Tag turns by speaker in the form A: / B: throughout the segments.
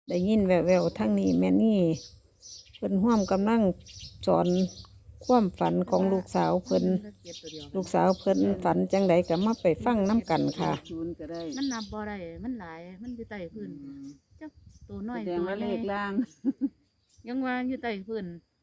A: ได้ยินแววๆทั้งนี้แม่นี่เพิ่นร่วมกำลังสอนความฝันของลูกสาวเพิ่นลูกสาวเพิ่นฝันจังใดก็มาไปฟังน้ำกันค่ะ
B: ศูนย์ก็ได้
C: มันนับบ่ได้มันหลายมันอยู่ใต้พื้นจักตัวน้อย
B: แสดง
C: ตัว
B: ว่า
C: ให
B: เล
C: ญ่
B: ขล่าง
C: ยังว่าอยู่ใต้พื้น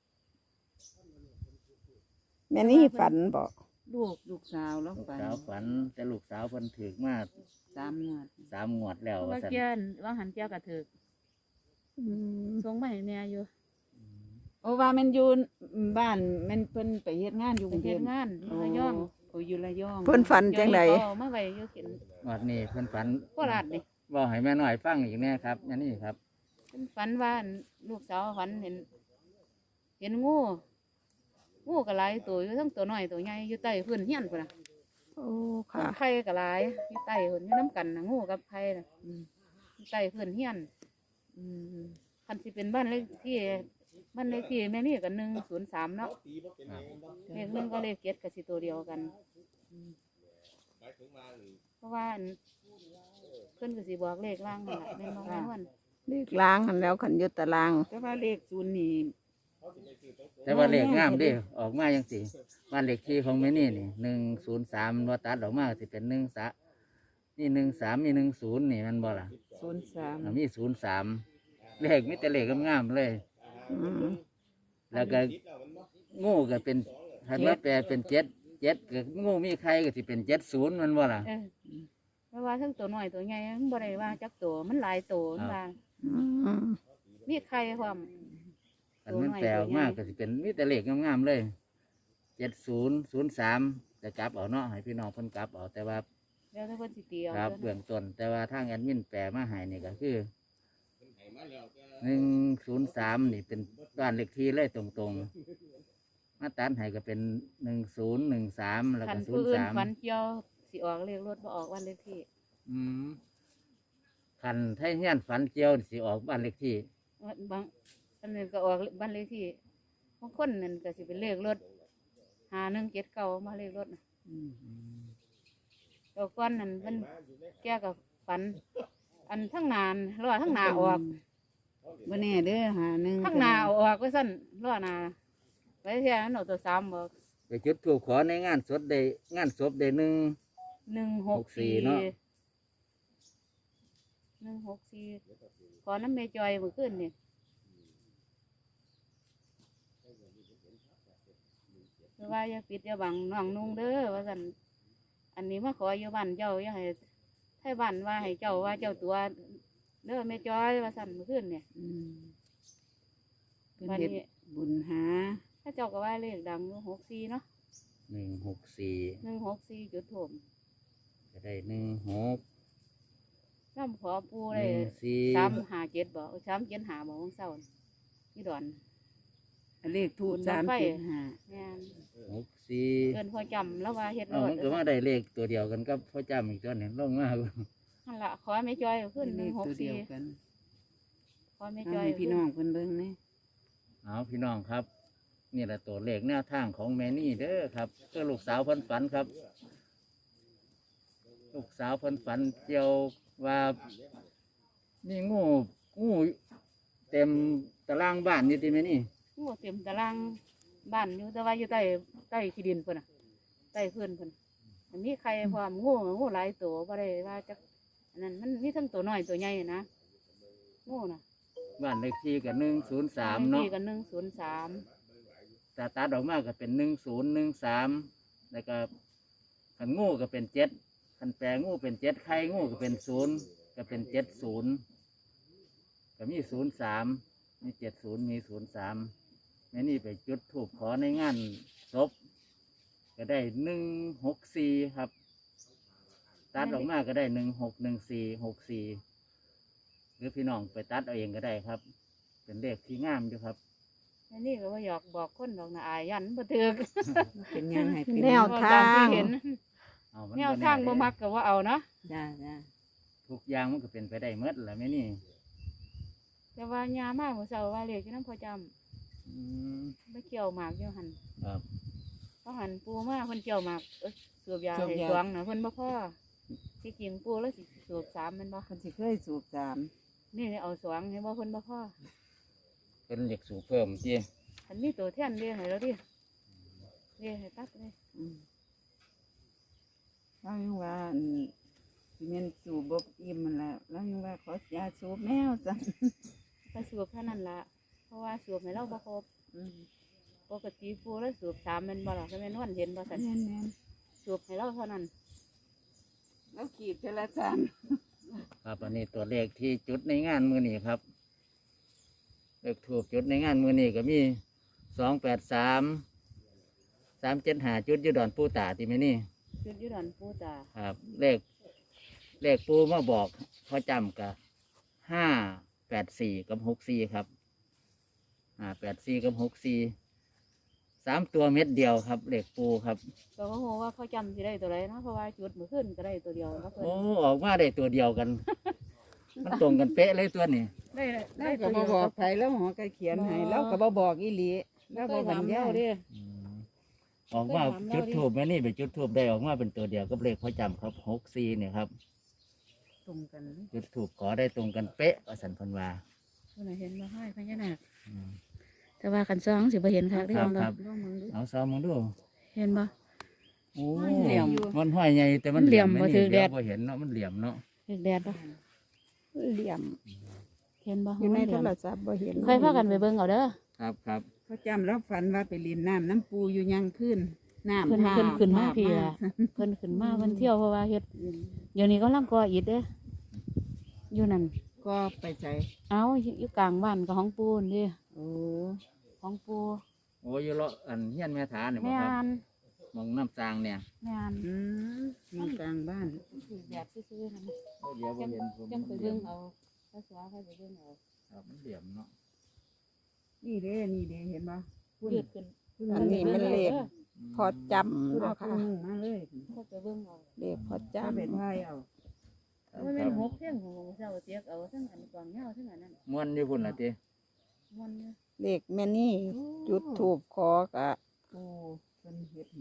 A: แม่นี่ฝันบอก
B: ลูกสาวแล้ว
D: ลูก
B: ฝัน
D: สาวฝันแต่ลูกสาวเพิ่นถึกมา
B: 3 งวด
D: 3 งวดแล้ว
C: เพราะ
D: ว่า
C: ว่า
D: ซั่น
C: เกียนว่าหันเกียกระถึกส่งมาให้แม่อยู่
B: โอ้ว่ามันอยู่บ้านมันเพิ่นไปเฮ็ดงานอยู่ก
C: ไป
B: รุงเท
C: เฮ็
B: พ
C: ดงานอยู่ระยอง
B: โอ้อยู่ระยอง
A: เพิ่นฝันจังใด
C: เดี๋ยวนี้เขาเอามาไว้อยู่เข็น
D: งวดนี้เพิ่นฝัน
C: โคราชนี่
D: บอกให้แม่น้อยฟังอีกแน่ครับอันนี้ครับ
C: เพิ่นฝันว่าลูกสาวฝันเห็นงูก็หลายตัวอยู่ทั้งตัวน้อยตัวใหญ่อยู่ใต้พื้นเฮียนพุ่นน่ะ
A: โอ้ค่ะ
C: ไข่ก็หลายอยู่ใต้พุ่นอยู่น้ำกันน่ะงูกับไข่น่ะอยู่ใต้พื้นเฮียนคันสิเป็นบ้านเลขที่แม่นี่ก็103เนาะ เลขหนึ่งก็เลข7ก็สิตัวเดียวกันเพราะว่าเพิ่นก็สิบอกเลขล่างนั่นแหละแม่นบ่แม่นวัน
A: เลขล้างหันแล้วขันอยุตตาราง
B: แต่ว่าเลขศูนย์นี่
D: แต่ว่าเลขงามเด้ออกมาจังซี่บ้านเลขที่ของแม่นี่นี่103ว่าตัดออกมาสิเป็น1 นี่13มี10นี่มันบ่ล่ะ
B: 03
D: มี03เลขมีแต่เลขงามๆเลย
A: อืม
D: แล้วก็งูก็เป็นหันมาแปลเป็น7ก็งูมีใครก็สิเป็น70มันบ่ล่ะ
C: เพราะว่าทั้งตัวน้อยตัวใหญ่มันบ่ได้ว่าจักตัวมันหลายตัวมันว่า
A: อืม
C: มีไข่ความ
D: อันมันแปลออกมากก็สิเป็นมีแต่เลขงามๆเลย7003จะกลับเอาเนาะให้พี่น้องเพิ่นกลับเอาแต่ว่า
C: แล้วถ้าเพิ่นสิเตียว
D: ครับเบื้องต้นแต่ว่าทางแอดมินแปลมาให้นี่ก็คือ103นี่เป็นบ้านเลขที่เลยตรงๆมาตัดให้ก็เป็น1013แล้ว
C: คั
D: ก็
C: นผู้อื่นฝัน
D: 03
C: เกี่ยวสิออกเลขรถบ่ออกวันเลขที่
D: อืมคันไทยเฮียนฝันเกี่ยวนี่สิออกบ้านเลขที่
C: บางอันนึงก็ออกบ้านเลขที่บางคนนั่นก็สิเป็นเลขรถ5179มาเลขรถน่ะ ดอกก้อนนั่นมันแก้กับฝัน อันทั้งนานรอทั้งหนาออก
B: บ่แน่เด้อหาหนึ่ง
C: ทั้งหนาเอาออกก็สั้นรอหนาไว้เท่านั้นเอาตัว3บอก
D: ไปจุดธูปขอในงานศพได้งานศพได้1
C: 164
D: เนาะ
C: 164ขอน้ำเมจอยเมื่อคืนนี่คือว่าอย่าปิดอย่าบังน้องนุ่งเด้อว่าสันอันนี้มาขออยู่บ้านเจ้าอย่าให้ให้บ้านว่าให้เจ้าว่าเจ้าตัวเด้อเมจอยว่าสันเมื่อคืนเนี่ย
B: เพิ่น
C: วัน
B: เฮ็ด
C: นี้
B: บุญหา
C: ถ้าเจ้าก็ว่าเลขดังอยู่64เนาะ
D: 164
C: 164จุดโถม
D: ก็ได้16
C: น้ำขอปูได้
D: 14
C: 357บอก375บอกของเศร้าที่ดอน
B: เลขทูบ
C: บุญบั้งไฟ
B: 375
C: แม่น
D: 64
C: เกินพอจำแล้วว่าเฮ็ดร
D: เอา
C: ถ
D: มันก็มาได้เลขตัวเดียวกันกับพ่อจำอีกตัวหนึงลงมา
C: นั่นล่ะขอแม่จอยขึ้น
B: เลขตัวเดียว
C: 164
B: กัน
C: ขอแม่
B: เอา
C: จอย
B: ให้พี่น้องเพิ่นเบิ่งนี่
D: เอาพี่น้องครับ นี่แหละตัวเลขแนวทางของแม่นี่เด้อครับก็ลูกสาวเพิ่นฝันครับ ลูกสาวเพิ่นฝันเกี่ยวว่ามีงูเต็มตารางบ้านอยู่ที่แม่นี่
C: งูเต็มตารางบ้านอยู่แต่ว่าอยู่ใต้ที่ดินเพิ่นน่ะใต้พื้นเพิ่นมันมีใครพร้อมงูหลายตัวบ่ได้ว่าจักอันนั้นมันมีทั้งตัวน้อยตัวใหญ่นะงูน่ะ
D: บ้านเลขที่กับ103เนาะ
C: ที่กัน103
D: ตาตัดออกมาก็เป็น1013แล้วก็ขันงูก็เป็น7ขันแปลงูเป็น7ไข่งูก็เป็น0ก็เป็น70ก็มี03มี70มี03แม่นี่ไปจุดธูปขอในงานศพก็ได้164ครับตัดออกมาก็ได้161464หรือพี่น้องไปตัดเอาเองก็ได้ครับ เป็นเลขที่งามอยู่ครับ
C: อันนี้ก็ว่าอยากบอกคนดอกนะอายยันบ่ถึก
B: เป็นยังให้เป็น
A: แนว
C: ต
A: ทาง
C: ที่เห็น
D: เอามั
C: แนวทางบ่มักก็ว่าเอาเนาะ
B: จ้า
D: ทุกอย่างมันก็เป็นไปได้เมื่อแหละแม่นี่
C: แต่ว่ายามาเมื่อเช้าว่าเลขที่น้ำพอจ
D: อืม
C: ำไม่เกี่ยวหมากอยู่หัน
D: ครับ
C: เพราะหันปูมาเพิ่นเกี่ยวหมากสูบยาให้สวงนะเพิ่นบ่พอที่จริงปูแล้วสิสูบ3แม่นบ่
B: เพิ่นสิเคยสูบ3
C: นี่เอาสองให้บ่เพิ่นบ่พอ
D: เป็นเหล็กสูบเพิ่มที่
C: อันนี้ตัวแท่นเรียให้แล้วดิเรียให้ตัดเลย
B: เรายังว่าสิแม่นสูบบอิ่มมันแหละเรายังว่าขอยาสูบแมวสั่น
C: ก็สูบเท่านั้นละเพราะว่าสูบให้เราบ่ครบปกติปูแล้วสูบ3แม่นบ่ล่ะก็แม่นวันเห็นบ่ซั่น
B: แม่น
C: สูบให้เราเท่านั้น
B: แล้วขีดเทละจาน
D: ครับอันนี้ตัวเลขที่จุดในงานมือนี้ครับเลขถูกจุดในงานมือนี้ก็มี283 375จุดอยูดอนปูตาที่ไม่นี่
C: จุดอยู่ดอนปูตา
D: ครับเลขปูมาบอกพอจำกับ584กับ64ครับ584กับ64 3ตัวเม็ดเดียวครับเลขปูครับ
C: ก็บ่ฮู้ว่าเขาจำสิได้ตัวใดเนาะเพราะว่าจุดมื้อคืนก็ได้ตัวเดียวครับเพิ่น
D: โอ้ออกมาได้ตัวเดียวกัน มันตรงกันเป๊ะเลยตัวนี้
C: ได้
B: แล้วก็
C: ตัว
B: บ่
C: เดียว
B: บอกไผแล้วหมอก็เขียนให้แล้วก็บ่บอกอีหลีแล้ว
C: เค
B: บ่
C: ย
B: บร
C: ถาร ม
B: ยา
C: เรา
B: ย
C: เด้
D: ออกมาจุดทูบแม่นี่ไปจุดทูบได้ออกมาเป็นตัวเดียวกับเลขพ่อจำครับ64เนี่ยครับ
C: ตรงกัน
D: จุดทูบขอได้ตรงกันเป๊ะว่าสันพันวา
C: ผู้ใดเห็นบ่ให้พญานาค
D: อืม
C: แต่ว่าคันซองสิบ่เห็นคักเด้
D: ครับ
C: บ่
D: ครับเอาซ้อมมึงดู
C: เห็นบ่
D: โอ้
C: เหลี่ยม
D: มันห้อยใหญ่แต่มัน
C: เหลี่ยม
D: แ
C: บ่ถือแดด
D: เยวบ่เห็นเนาะมันเหลี่ยมเนาะ
C: เห็นแดดบ่
B: เหลี่ยม
C: เห็นบ่
B: อยู่ใน
C: มันเห
B: โท
C: ลี่ยม
B: รศัพท์บ่เห็น
C: ค่อยพากันไปเบิ่งเอาเด้อ
D: ครับครับ
B: เขาจำแล้วฝันว่าไปเรียนน้ำน้ำปูอยู่ยังขึ้นน้ำ
C: เพิ่น
B: ท่า
C: ขึ้นมา
B: ท่
C: พี่ล่ะเพิ่นขึ้นมาเพิ่นเที่ยวเพราะว่าเฮ็ดเดี๋ยวนี้กำลังก่ออิฐเด้ออยู่นั่น
B: ก็ไปใจ
C: เอาอยู่กลางบ้านกับของปูนเด้
B: โอ้
C: ของปู
D: โอ้ยเลาะอันเฮียนแม่ฐานเนี่ยบ่
C: แม่
D: ครับ
C: น
D: มองน้ำจางเนี่ย
C: แม่น
B: อยู่กลางบ้าน
C: ถือแบบซื่อๆนั่นน่ะ
D: โอ้เดี๋ยวบ่เห็นผม
C: จังไปเบิ่งเอาภาษาเขาไปเบิ่งเอา
D: ครับมันเหลี่ยมเนาะ
B: นี่เด้เห็นบ่
C: ยืดขึ้น
A: อันนี้มันเลขพอจำ
B: ผู้ใด
A: เนาะ
B: ผู้
A: ค่ะ
B: หนึ่งมาเลย
C: เขาไปเบิ่งเอา
A: เลขพอ
B: จะเป็น
A: จำ
B: ไพ่เอา
C: ว่าแม่นหกเที่ยงของเจ้าเตียกเอาทั้งอันกวางเหย้าทั้งอันนั้น
D: ม้วนอยู่พุ่นล่ะติ
C: มันเนี่ย
A: เลขแม่นี่จุดถูกขอกะ
B: โอ้เป็นเห็ด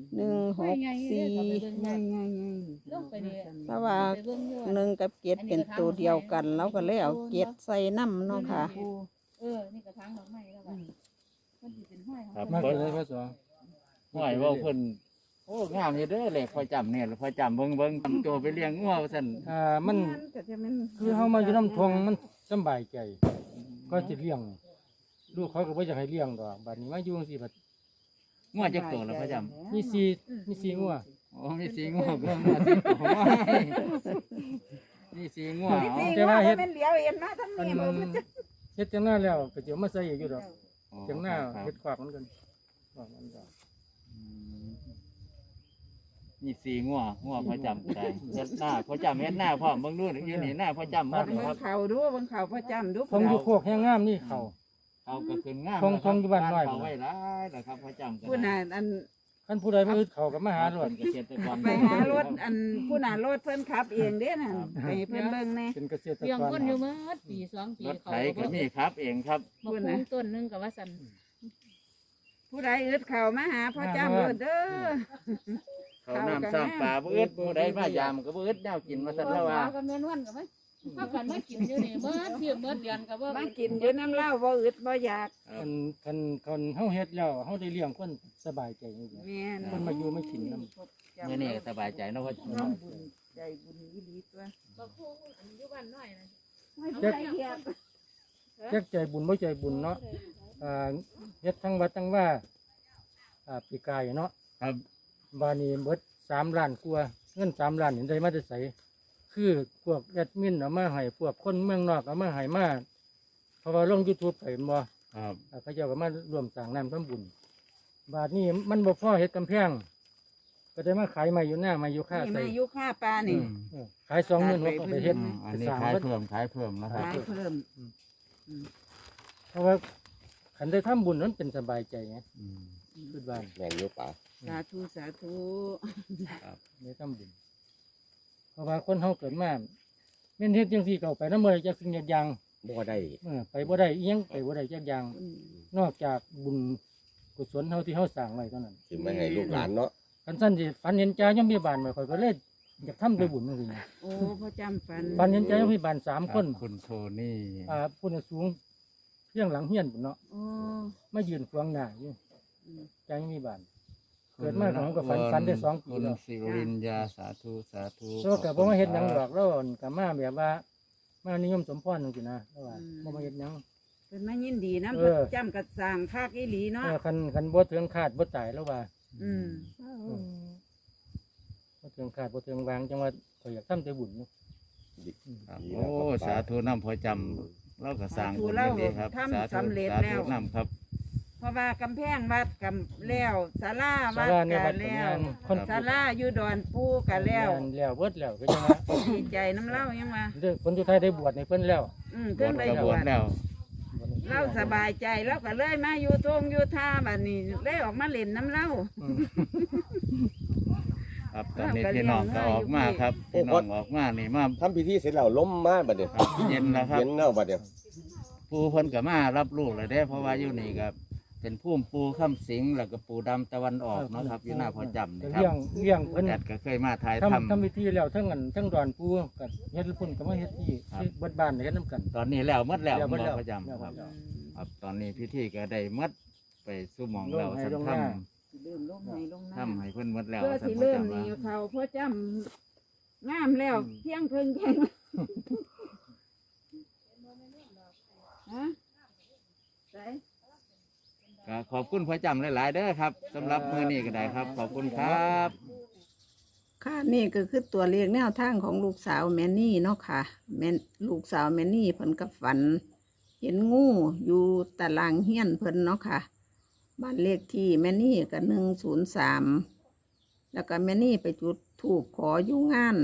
A: 164
B: ง่าย
C: ลงไปนี่
A: เพราะว่า
C: ไปเบิ่งอยู่
A: หนึ่งกับเจ็ดเป็นตัวเดียวกัน แล้วก็เลยเอาเจ็ดใส่น้ำเนาะค่ะ
C: นี่กระถางดอกไม้แล้วก็มันสิเป็นห้อยของ
D: ครับ
C: เพิ่น
D: เพิ่นห้อยเว่าเพิ่นโอ้งามอยู่เด้อเลขพ่อจำเนี่ยพ่อจำเบิ่งทำตัวไปเลี้ยงงัวว่าซั่น
E: มัน
B: ก็จะมัน
E: คือเฮามาอยู่น้ำทงมันสำบายใจ ก็จะเลี้ยง ลูกเขาก็บ่อยากให้เลี้ยงดอกบัดนี้มาอยู่จังซี่บัด
D: งัวจักตัวแล้วพ่อจำ
E: มี4งัว
D: โอ้มีสีงัวก็งัวสิโอ้ยมีสีงัวเอา
E: แต่ว่าเฮ็ด
B: เป็นเหลียวเอ็นมาทั้ง
E: อัน
B: นี้มัน
E: เฮ็ดจังหน้าแล้วก็สิเอามาใส่อีกอยู่ดอก
D: อ๋อ
E: จังหน้า
D: ครับ
E: เฮ็ดขวากมันกันขวากมันก็
D: อืมมีสีงัวพ่อจำก็ได้เฮ็ดหน้าพ่อจำเฮ็ดหน้าพร้อมเบิ่งดูอยู่นี่หน้าพ่อจำหมดเลยครับ
B: เขาดูบางเขาประจำดู
E: ทงอยู่โคกแห้งงามนี่เขา
D: เขาก็ขึ้นงาม
E: ทงทงอยู่บ้านน้อย
D: เขาไว้หลายแล้วครับพ่อจำก็
B: ผู้น่ะอัน
E: คันผู้ใดมาอึดเขาก็มาหารถ
D: เป็นเกษตรกร
B: ไปหารถอันผู้น่ะรถเพิ่นขับเองเด้น่ะไปเพิ่นเบิ่งแน่
E: เป็นเกษตร
C: เลี้ยง
E: กร
C: คนอยู่เมื่อปี2 ปี
D: รถไถก็มีครับเองครับ
C: มาปลูกต้นหนึงกับว่าสัน
B: ผู้ใดอึดเขามาหาพ่อจ้ำรถเด้อ
D: เขาน้ำซ้ำปลาบ่อึดผู้ใดมายามก็บ่อึดแนวกินมาซั่นแล้วว่า
C: กับแม่นวันกับไหมถ้ากันไม่กินอยู่นี่เมื่อเที่ยงเมื่อเดือนกับว่า
B: มากินอยู่น้ำเหล้าบ่อึดบ่อยาก
E: คันเฮาเฮ็ดแล้วเฮาได้เลี้ยงคนสบายใจจริง
B: แม่น
E: ๆคนมาอยู่มากินนำ
D: เมื่อนี้ก็สบายใจเนาะว่า
B: ร่วมบุญใจบุญอีหลีตัว
C: บอกคู่อันอยู่บ้านน้อยนะ
B: ไม่ใช่เทียบ
E: จักใจบุญบ่ใจบุญเนาะเฮ็ดทั้งวัดทั้งว่าปีกายเนาะ
D: ครับ
E: บานี้เบิด3 ล้านกว่าเงิน3 ล้านนี่ได้มาแต่ไสคือพวกแอดมินเอามาให้พวกคนเมืองนอกเอามาให้มาเพราะว่าลง YouTube ไปแม่นบ่
D: ครับ
E: เขาเจ้าก็มาร่วมสร้างน้ำทำบุญ บาทนี้มันบ่พอเฮ็ดกำแพงก็ได้มาขายไม้อยู่หน้าไม้อยู่ค่า
B: นี่
E: ใส่
B: มาอยู่ค่าปลานี่
E: ขาย26,000ก็ไปเฮ็ด
D: อันนี้ขายเพิ่มนะครับ
B: ขายเพิ่ม
E: เพราะว่าคันได้ทำบุญนั้นเป็นสบายใจไง
D: อืม
E: คิดว่า
F: แม่นอยู่ป่า
B: สาธุสาธุ
E: ได้ทำบุญ เพราะว่าคนเฮาเกิดมาแม่นเฮ็ดจังซี่ก็เอาไปนำบ่ได้จักสิ่งจักอย่าง
F: บ่ได้
E: ไปบ่ได้อีหยังไปบ่ได้จักอย่าง นอกจากบุญกุศลเฮาที่เฮาสร้างไว้เท่านั้น
F: สิมาให้ลูกหลานเนาะ
E: คันซั่นสิฝันเห็นจ่ายามมีบ้านมาข่อยก็เลยอยากทำได้บุญจริง
B: โอ้พ่อจำฝัน
E: ๆปันเห็นใจพี่บ้าน3 คน
D: คุณโทนี่
E: ผู้น่ะสูงเพียงหลังเฮียนพุ่นเนาะ
B: โอ้
E: มายืนขวางหน้าอยู่
B: อืม
E: ใจมีบ้าน เกิดมาของก็ฝันได้2 ปี
D: คุณ
E: แล้ว
D: สิรินยาสาธุสาธุ
E: แล้วก็บ่มาเฮ็ดหยังหรอกแล้วก็มาแบบว่ามานิยมสมพรจังซี่นะแล้วว่าบ่มาเฮ็ดหยัง
B: เพิ่นมายินดีนะ
E: เอ
B: พ่อ
E: อ
B: จำกัดสร้างภาคอีหลีเนาะ
E: คันบ่ถึงคาดบ่ตายแล้วว่า
B: อืม
E: บ่ถึงคาดบ่ถึงวางจังว่าข่อยอยากทำแต่บุญเนาะ
D: ครับโอ้สาธุน้ำพอจำเราก็สร้างบุญได้ดีครับสาธุสาธุน้ำครับ
B: เพราะว่ากำแพงวัดกำแล้วศาลา
E: ศา
B: วัด
E: ลาใน
B: กั
E: วัด
B: น
E: ก็
B: แล้
E: ยั
B: ว
E: งคน
B: ศาลาอยู่ดอนปูกันแล้ว
E: แล้วเบิดแล้วก็จังว่า
B: ดีใจน้ำเล่ายังว่า
E: เด้อคนอยู่ไทยได้บวชในเพิ่นแล้ว
B: เพิ่งได้
D: กระ
B: บบ ว
D: ว
B: ช
D: ชแล้ว
B: เล่าสบายใจแล้วก็เลยมาอยู่ทงอยู่ท่าบัดนี้เลยออกมาเล่นน้ำเล่า
E: อืม
D: ครับตอนนี้พี่น้องก็ออกมาครับพี่น้องออกมานี่มา
F: ทำพิธีเสร็จแล้วล้มมาบัดเดี๋ยว
D: ครับเย็นแล้วครับ
F: เย็นแล้วบัดเดี๋ยว
D: ปูเพิ่นก็มารับลูกเลยได้เพราะว่าอยู่นี่ครับเป็นพุ่มปูข้ามสิงแล้วก็ปูดำตะวันออกเนาะครับอยู่หน้าพอจำ
E: ก็
D: นี่ครั
E: เลี้ย
D: บ
E: งเพิ่น
D: แอดก็เคยมาถ่าย
E: ทำ
D: ทำ
E: พิธีแล้วทั้งดอนปูกับเฮ็ดพุ่นก็มาเฮ็ดที่
D: ครับ
E: เบิดบ้านเฮ็ดนํกัน
D: ตอนนี้แล้วหมดแล้ว
E: แล้วหมดแล้ว
D: พอจำ
E: แล้ว
D: ครับ
E: หมดแล้ว
D: ครับตอนนี้พิธีก็ได้หมดไปสู่หมองเรา
E: ลงให้
D: สัน
E: ลงห
D: ท
E: น้า
B: เริ่มลงในลงหน้า
D: ำทำให้เพิ่นหมดแล้ว
B: เพื่อ
D: สัน
B: สิ
D: พอ
B: เริ่ม
D: จำ
B: นี่
D: ว่า
B: เขาพ่อจำงามแล้วเพียงเพิ่งแค่ฮะใส่
D: ก็ขอบคุณพอจำหลายๆเด้อครับสำหรับมื้อนี้ก็ได้ครับ ขอบคุณครับ
A: ค่ะนี่ก็คือตัวเลขแนวทางของลูกสาวแมนนี่เนาะค่ะลูกสาวแมนนี่เพิ่นกับฝัน เห็นงูอยู่ตารางเฮียนเพิ่นเนาะค่ะบ้านเลขที่แมนนี่ก็103แล้วก็แมนนี่ไปจุดธูปขออยู่งาน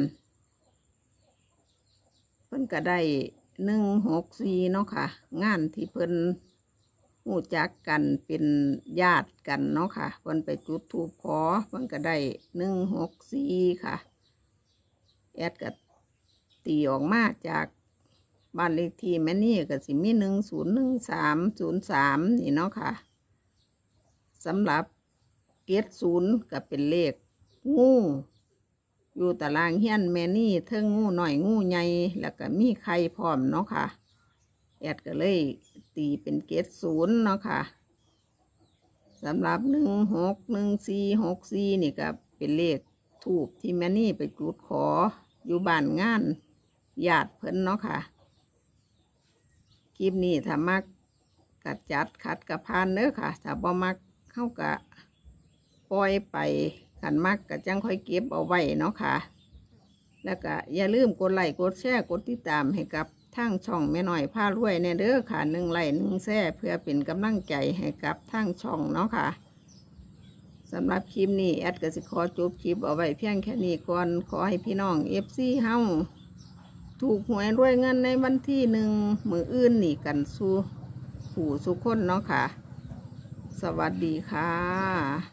A: เพิ่นก็ได้164เนาะค่ะ งานที่เพิ่นหูจักกันเป็นญาติกันเนาะค่ะเพิ่นไปจุดธูปขอเพิ่นก็ได้164ค่ะ แอดก็ตีออกมาจากบ้านเลขที่แม่นี่ก็สิมี101303นี่เนาะค่ะสำหรับเกต0ก็เป็นเลขงูอยู่ตารางเฮียนแม่นี่เทิงงูหน่อยงูใหญ่แล้วก็มีไข่พร้อมเนาะค่ะแอดก็เลยตีเป็นเกต0เนาะค่ะสำหรับ161464นี่ก็เป็นเลขทูปที่แม่นี่ไปจุดขออยู่บ้านงานญาติเพิ่นเนาะค่ะคลิปนี้ถ้ามักกัดจัดขัดกับพานเด้อค่ะถ้าบ่มักเข้ากะปล่อยไปขันมักกะจังค่อยเก็บเอาไว้เนาะค่ะแล้วก็อย่าลืมกดไลค์กดแชร์กดติดตามให้กับทางช่องแม่น้อยพารวยแน่เด้อค่ะ1 ไลค์ 1 แชร์เพื่อเป็นกำลังใจให้กับทางช่องเนาะค่ะสำหรับคลิปนี้แอดก็สิขอจบคลิปเอาไว้เพียงแค่นี้ก่อนขอให้พี่น้องFC เฮาถูกหวยรวยเงินในวันที่1มื้ออื่นนี่กันสู่ผู้สุคนเนาะค่ะสวัสดีค่ะ